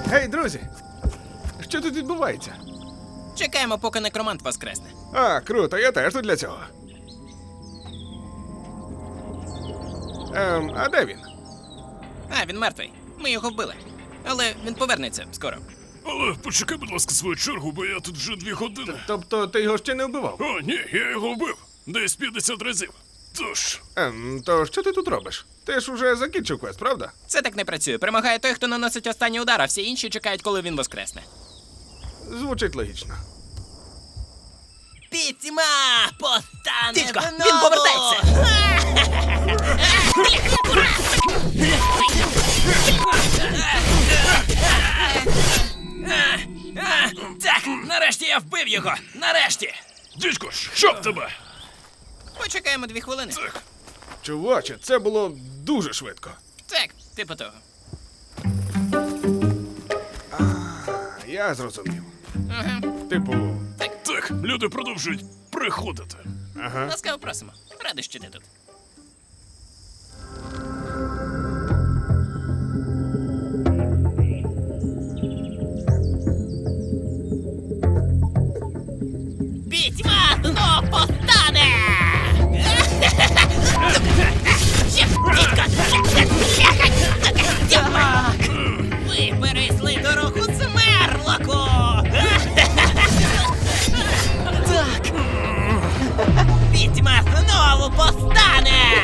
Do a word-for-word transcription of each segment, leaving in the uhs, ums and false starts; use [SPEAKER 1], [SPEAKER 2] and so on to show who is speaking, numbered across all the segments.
[SPEAKER 1] Гей, друзі! Що тут відбувається?
[SPEAKER 2] Чекаємо, поки некромант воскресне.
[SPEAKER 1] А, круто, я теж тут для цього. Ем, а де він?
[SPEAKER 2] А, він мертвий. Ми його вбили. Але він повернеться скоро.
[SPEAKER 3] Але почекай, будь ласка, свою чергу, бо я тут вже дві години.
[SPEAKER 1] Тобто ти його ще не вбивав?
[SPEAKER 3] О, ні, я його вбив. Десь п'ятдесят разів. Тож,
[SPEAKER 1] Ем, то що ти тут робиш? Ти ж уже закінчив квест, правда?
[SPEAKER 2] Це так не працює. Перемагає той, хто наносить останній удар, а всі інші чекають, коли він воскресне.
[SPEAKER 1] Звучить логічно.
[SPEAKER 2] Пітьма постане Тичко, він повертається! Так, нарешті я вбив його! Нарешті!
[SPEAKER 3] дідько, щоб тебе!
[SPEAKER 2] Почекаємо дві хвилини.
[SPEAKER 3] Так,
[SPEAKER 1] Чуваче, це було дуже швидко.
[SPEAKER 2] Так, типу того.
[SPEAKER 1] Я зрозумів.
[SPEAKER 2] Ага.
[SPEAKER 1] Типу,
[SPEAKER 3] так, люди продовжують приходити.
[SPEAKER 1] ага.
[SPEAKER 2] Ласкаво просимо. Радий, що ти тут. Пітьма знов постане! Ви перейшли дорогу Смерлоку! Так! Пітьма знову постане!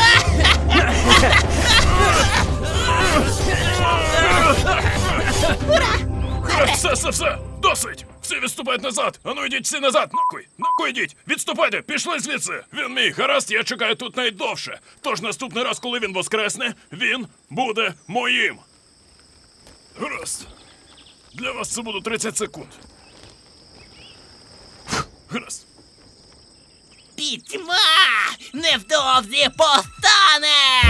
[SPEAKER 3] Все, все, все, досить! Всі відступають назад! Ану йдіть всі назад! Накуй! Накуй йдіть! Відступайте! Пішли звідси! Він мій! Гаразд, я чекаю тут найдовше! Тож наступний раз, коли він воскресне, він буде моїм! Гаразд. Для вас це буде тридцять секунд. Фух, гаразд.
[SPEAKER 2] Пітьма невдовзі постане!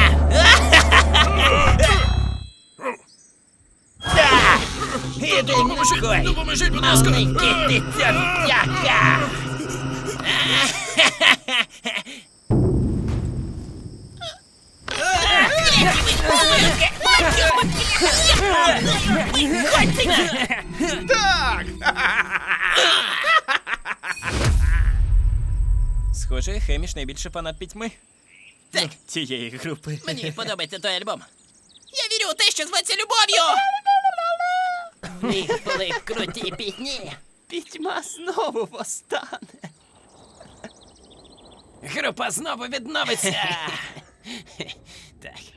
[SPEAKER 2] Іди
[SPEAKER 3] Допоможіть,
[SPEAKER 2] нахуй,
[SPEAKER 3] допоможіть, будь ласка!
[SPEAKER 2] маленький дитятка!
[SPEAKER 1] Так!
[SPEAKER 2] Схоже, Хеміш найбільший фанат пітьми. Так, цієї групи. Мені подобається той альбом. Я вірю у те, що зветься любов'ю! Ви були круті пітьні. Пітьма знову постане. Група знову відновиться. Так.